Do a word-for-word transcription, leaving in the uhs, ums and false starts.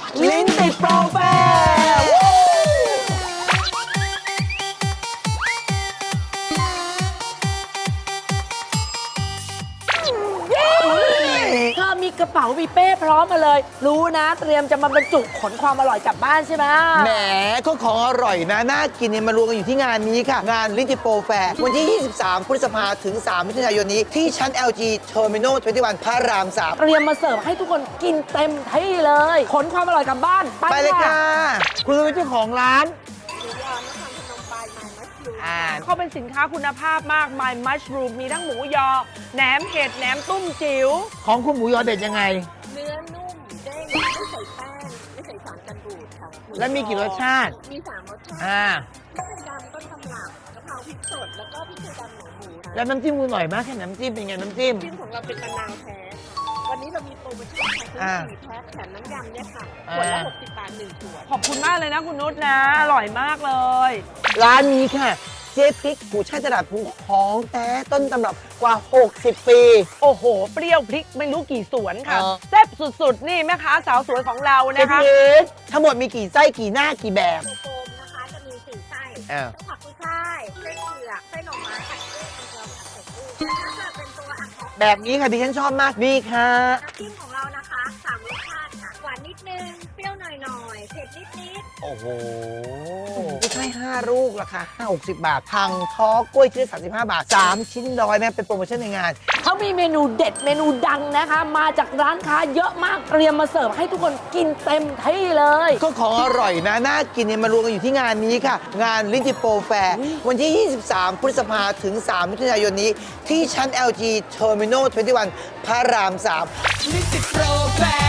ลิ้นติดโปรแฟร์เธอมีกระเป๋ามีเป้พร้อมมาเลย รู้นะเตรียมจะมาบรรจุขนความอร่อยกลับบ้านใช่ไหมแหมก็ของอร่อยนะน่ากินเนี่ยมารวมกันอยู่ที่งานนี้ค่ะ งานลิ้นติดโปรแฟร์วันที่ ยี่สิบสาม พฤษภาถึง สามมิถุนายนนี้ที่ชั้น แอล จี Terminal ยี่สิบเอ็ด พระราม สามเตรียมมาเสิร์ฟให้ทุกคนกินเต็มที่เลย ขนความอร่อยกลับบ้านไปเลยค่ะ คุณเป็นเจ้าของร้านอ่าเขาเป็นสินค้าคุณภาพมาก My Mushroom มีทั้งหมูยอ แหนมเห็ด แหนมตุ้มจิ๋วของคุณหมูยอเด็ดยังไงเนื้อนุ่มเด้งไม่ใส่แป้งไม่ใส่สารกันบูดค่ะหและมีกี่รสชาติมีสามรสชาติอ่าพริกไทยดำต้นตำรับกะเพราพริกสดแล้วก็พริกไทยดำหมูหมูนะแล้วน้ำจิ้มคุณหน่อยมากแค่น้ำจิ้มเป็นไงน้ำจิ้มจิ้มของเราเป็นมะนาวแท้ค่ะวันนี้เรามีโปรโมชั่นค่ะซื้อสี่แพ็คแถมน้ำยำเนี่ยค่ะขวดละอ่าหกสิบบาทหนึ่งขวดขอบคุณมากเลยนะคุณนุชนะ อร่อยมากเลยร้านนี้ค่ะ เจ๊พริกผู้ช่ายตลาดภูของแท้ต้นตำรับกว่า หกสิบ ปีโอ้โห เปรี้ยวพริกไม่รู้กี่สวนค่ะเออแซ่บสุดๆ นี่แม่ค้าสาวสวยของเราเจ๊นะพคะริกทั้งหมดมีกี่ไส้กี่หน้ากี่แบบโฟมนะคะจะมีสี่ไส้อ่าไส้ผักกุ้ยช่ายไส้เผือกไส้หน่อไม้ผัดกุ้งมังกรผัดไข่กุ้งแล้วจะเป็นตัวอักษรแบบนี้ค่ะที่ฉันชอบมากนี่ค่ะน้ำจิ้มของเรานะคะสามรสชาติค่ะหวานนิดนึงเปรี้ยวหน่อยๆเผ็ดนิดๆโอ้โหไม่ใช่ห้าลูกราคาห้าหกสิบบาททางท้อกล้วยชิ้นละสามสิบห้าบาทสามชิ้นร้อยแม่เป็นโปรโมชั่นในงานเขามีเมนูเด็ดเมนูดังนะคะ มาจากร้านค้าเยอะมาก เตรียมมาเสิร์ฟให้ทุกคนกินเต็มที่เลยก็ของอร่อยนะน่ากินเนี่ยมารวมกันอยู่ที่งานนี้ค่ะ งานลิ้นติดโปรแฟร์วันที่ ยี่สิบสาม พฤษภาถึง สามมิถุนายนนี้ที่ชั้น แอล จี Terminal ยี่สิบเอ็ด พระราม สาม ลิ้นติดโปรแฟร์